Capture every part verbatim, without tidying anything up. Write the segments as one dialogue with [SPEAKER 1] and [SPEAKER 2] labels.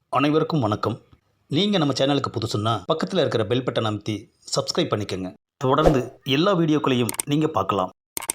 [SPEAKER 1] அனைவருக்கும் வணக்கம். நீங்கள் நம்ம சேனலுக்கு புதுசுன்னா பக்கத்தில் இருக்கிற பெல் பட்டன் அமைத்தி சப்ஸ்கிரைப் பண்ணிக்கோங்க. தொடர்ந்து எல்லா வீடியோக்களையும் நீங்கள் பார்க்கலாம்.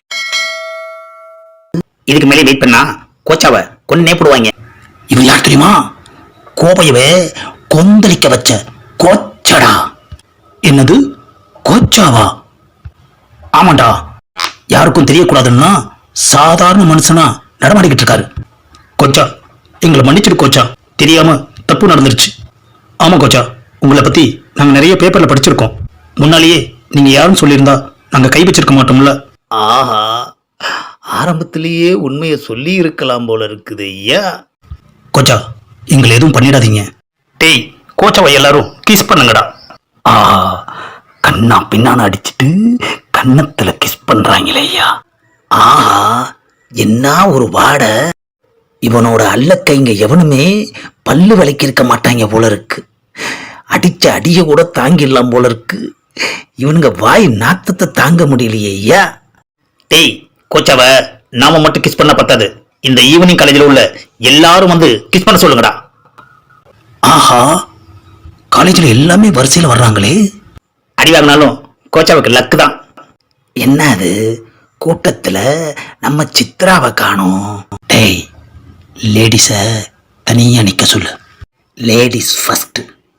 [SPEAKER 2] இதுக்கு மேலே வெயிட் பண்ணா கோச்சாவை கொன்னே போடுவாங்க. இவன் யார் தெரியுமா? கோபையவே கொந்தளிக்க வச்ச கோச்சடா. என்னது கோச்சாவா? ஆமாண்டா. யாருக்கும் தெரியக்கூடாதுன்னா சாதாரண மனுஷனா நடமாடிக்கிட்டு இருக்காரு. கோச்சா, எங்களை மன்னிச்சிடு கோச்சா, தெரியாம தப்பு நடந்துருச்சு. ஆமா கோச்சா, உங்களை பத்தி நாங்க நிறைய பேப்பர்ல படிச்சிருக்கோம். முன்னாலேயே நீங்க யாருன்னு சொல்லியிருந்தா நாங்க கை வச்சிருக்க மாட்டோம்ல.
[SPEAKER 3] ஆஹா, ஆரம்பத்திலேயே உண்மையை சொல்லி இருக்கலாம் போல இருக்குது ஐயா.
[SPEAKER 1] கோச்சா, எங்களை எதுவும் பண்ணிடாதீங்க.
[SPEAKER 2] டேய், கோச்சாவை எல்லாரும் கிஸ் பண்ணுங்கடா.
[SPEAKER 3] ஆஹா, கண்ணா பின்னான அடிச்சிட்டு கன்னத்துல கிஸ் பண்றாங்களே ஐயா. ஆஹா, என்ன ஒரு வாடை. இவனோட அல்லக்கைங்க எவனுமே பல்லு விலைக்கு இருக்க மாட்டாங்க போல இருக்கு. அடிச்ச அடிய கூட தாங்கிடலாம் போல இருக்கு. இவனுங்க வாய் நாத்தத்தை தாங்க முடியலையே ஐயா.
[SPEAKER 2] டேய், கோச்சாவை நாம மட்டும் கிஸ் பண்ண பத்தாது, இந்த ஈவினிங் காலேஜில் உள்ள எல்லாரும் வந்து கிஸ் பண்ண சொல்லுங்கடா.
[SPEAKER 3] ஆஹா, காலேஜில் எல்லாமே வரிசையில் வர்றாங்களே.
[SPEAKER 2] அடி வாங்கினாலும் கோச்சாவுக்கு லக்கு தான்.
[SPEAKER 3] என்ன அது, கூட்டத்தில் நம்ம சித்ராவை காணோம். டேய், லேடிஸை தனியாக நிற்க சொல்லு. Ladies first.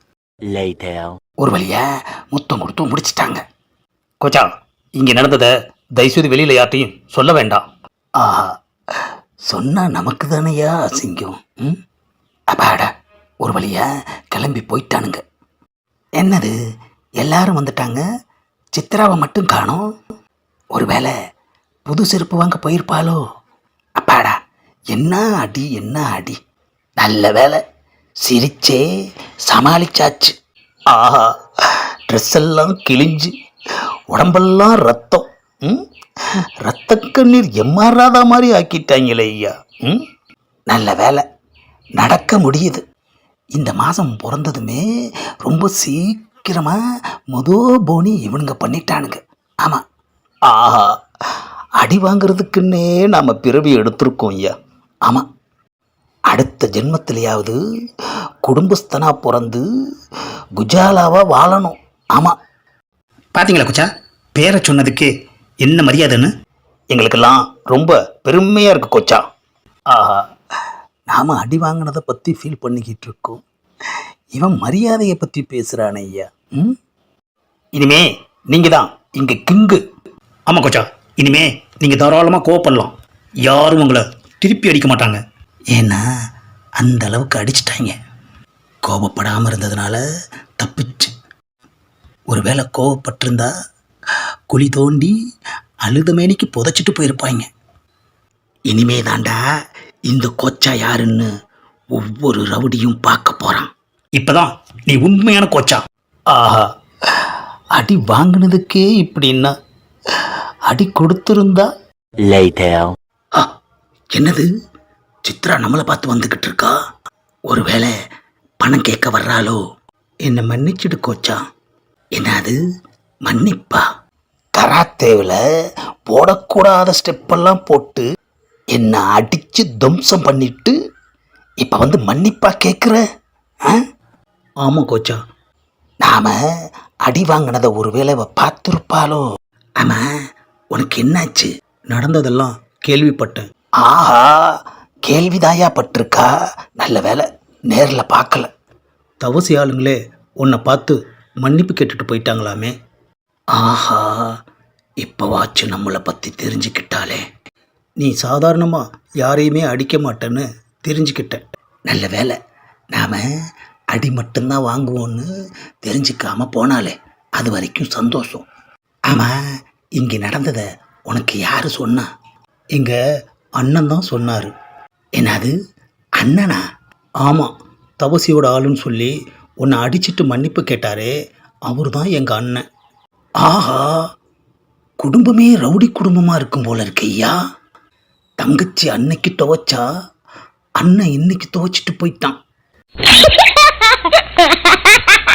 [SPEAKER 3] ஒரு வழியா முத்தம் கொடுத்து முடிச்சிட்டாங்க.
[SPEAKER 1] கோச்சா, இங்கே நடந்ததை தயவுசெய்து வெளியில் யார்ட்டையும் சொல்ல வேண்டாம்.
[SPEAKER 3] ஆஹா, சொன்னா நமக்கு தானையா அசிங்கம். ம், அப்பாடா, ஒரு வழியா கிளம்பி போயிட்டானுங்க. என்னது, எல்லாரும் வந்துட்டாங்க, சித்ராவை மட்டும் காணோம். ஒருவேளை புது செருப்பு வாங்க போயிருப்பாளோ? அப்பாடா, என்ன அடி என்ன அடி. நல்ல வேலை, சிரிச்சே சமாளிச்சாச்சு. ஆஹா, ட்ரெஸ் எல்லாம் கிழிஞ்சு உடம்பெல்லாம் ரத்தம். ம், ரத்த கண்ணீர் எம்மாறாத மாதிரி ஆக்கிட்டாங்களே ஐயா. ம், நல்ல வேலை, நடக்க முடியுது. இந்த மாதம் பிறந்ததுமே ரொம்ப சீக்கிரமாக மொதோ போனி இவனுங்க பண்ணிட்டானுங்க. ஆமாம். ஆஹா, அடி வாங்கிறதுக்குன்னே நாம் பிறவி எடுத்திருக்கோம் ஐயா. ஆமாம், அடுத்த ஜென்மத்திலேயாவது குடும்பஸ்தனா பிறந்து குஜாலாவாக வாழணும். ஆமாம்.
[SPEAKER 1] பார்த்தீங்களா கோச்சா, பேரை சொன்னதுக்கு என்ன மரியாதைன்னு?
[SPEAKER 3] எங்களுக்கெல்லாம் ரொம்ப பெருமையாக இருக்கு கோச்சா. ஆஹா, நாம் அடி வாங்கினதை பற்றி ஃபீல் பண்ணிக்கிட்டு இருக்கோம். இவன் மரியாதையை பற்றி பேசுகிறான் ஐயா. ம்,
[SPEAKER 1] இனிமே நீங்கள் தான் இங்கே கிங்கு. ஆமாம் கோச்சா, இனிமே நீங்கள் தாராளமாக கோவப்படலாம். யாரும் உங்களை திருப்பி அடிக்க மாட்டாங்க.
[SPEAKER 3] ஏன்னா அந்த அளவுக்கு அடிச்சிட்டாங்க. கோபப்படாமல் இருந்ததுனால தப்பிச்சு. ஒருவேளை கோபப்பட்டிருந்தா குழி தோண்டி அழுத மேனிக்கு புதைச்சிட்டு போயிருப்பாங்க. இனிமே தாண்டா இந்த கோச்சா யாருன்னு ஒவ்வொரு ரவுடியும் பார்க்க போகிறான்.
[SPEAKER 1] இப்போதான் நீ உண்மையான கோச்சா.
[SPEAKER 3] ஆஹா, அடி வாங்கினதுக்கே இப்படின்னா அடி கொடுத்துருந்தா. ஆ, என்னது, சித்ரா நம்மளை பார்த்து வந்துக்கிட்டு இருக்கா. ஒருவேளை பணம் கேட்க வர்றாளோ? என்னை மன்னிச்சிடு கோச்சா. என்னது மன்னிப்பா? கராத்தேவில் போடக்கூடாத ஸ்டெப்பெல்லாம் போட்டு என்னை அடித்து துவம்சம் பண்ணிட்டு இப்போ வந்து மன்னிப்பா கேட்குற?
[SPEAKER 1] ஆமாம் கோச்சா.
[SPEAKER 3] நாம் அடி வாங்கினதை ஒருவேளை அவ பார்த்துருப்பாளோ? ஆமாம், உனக்கு என்னாச்சு?
[SPEAKER 1] நடந்ததெல்லாம் கேள்விப்பட்டேன்.
[SPEAKER 3] ஆஹா, கேள்விதாயா பட்டிருக்கா. நல்ல வேலை நேரில் பார்க்கல.
[SPEAKER 1] தவசி ஆளுங்களே உன்னை பார்த்து மன்னிப்பு கேட்டுட்டு போயிட்டாங்களாமே.
[SPEAKER 3] ஆஹா, இப்போவாச்சும் நம்மளை பற்றி தெரிஞ்சுக்கிட்டாலே.
[SPEAKER 1] நீ சாதாரணமாக யாரையுமே அடிக்க மாட்டேன்னு தெரிஞ்சுக்கிட்டேன்.
[SPEAKER 3] நல்ல வேலை, நாம் அடி மட்டும்தான் வாங்குவோன்னு தெரிஞ்சுக்காம போனாலே அது வரைக்கும் சந்தோஷம். ஆமாம், இங்கே நடந்ததை உனக்கு யார் சொன்னா?
[SPEAKER 1] எங்கள் அண்ணன் தான் சொன்னார்.
[SPEAKER 3] என்னது, அண்ணனா?
[SPEAKER 1] ஆமாம், தவசியோட ஆளுன்னு சொல்லி உன்னை அடிச்சிட்டு மன்னிப்பு கேட்டாரே, அவர் தான் எங்கள் அண்ணன்.
[SPEAKER 3] ஆஹா, குடும்பமே ரவுடி குடும்பமாக இருக்கும் போல இருக்கு ஐயா. தங்கச்சி அன்னைக்கு துவைச்சா, அண்ணன் இன்னைக்கு துவைச்சிட்டு போயிட்டான்.